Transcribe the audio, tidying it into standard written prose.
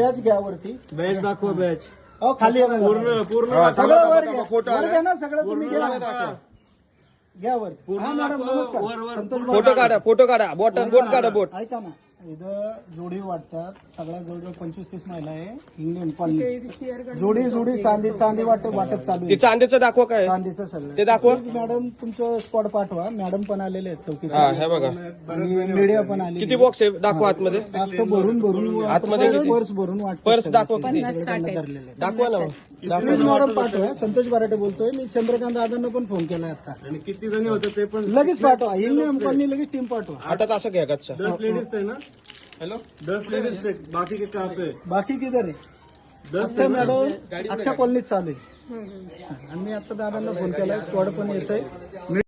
Batch घ्या वरती. Batch दाखव बॅच. अहो खाली आहे बघा. पूर्ण पूर्ण सगळं वर घ्या. फोटो वर आलाय. घ्या ना सगळं तुम्ही घ्या. घ्या वर. हा मॅडम नमस्कार. संतोष बारा. फोटो काढा बोट काढा बोट. ऐका ना इथं जोडी वाटतात. सगळ्या जवळजवळ 25-30 महिला आहे. इंग्लंड कॉलनी जोडी चांदी वाटप चालू ते आहे. चांदीचं दाखवा काय चांदीचं सगळं ते दाखवा. प्लीज मॅडम तुमचं स्पॉट पाठवा. मॅडम पण आलेले आहेत हा चौकीचे हे बघा आणि मीडिया पण आली. किती बॉक्स आहे दाखवा आतमध्ये. अख्खं भरून आतमध्ये किती? पर्स भरून वाटतं. पर्स दाखवा किती धरलेले आहेत. दाखवा ना प्लीज मॅडम पाठवा. संतोष बाराटे बोलतोय मी. चंद्रकांत दादांना पण फोन केलाय आता. आणि किती जणी होते ते पण लगेच पाठवा. इंग्लंड कॉलनी लगेच टीम पाठवा. आता असं घ्या गच्चा. 10 लेडीज थे ना. हॅलो 10 लेडीज थे. बाकी के कहाँ पे? बाकी किधर आहे? 10 अख्खा मॅडम अख्ख्या कॉलनीत चालू आहे. आणि मी आता दादांना फोन केलाय. स्क्वॉड पण येत आहे.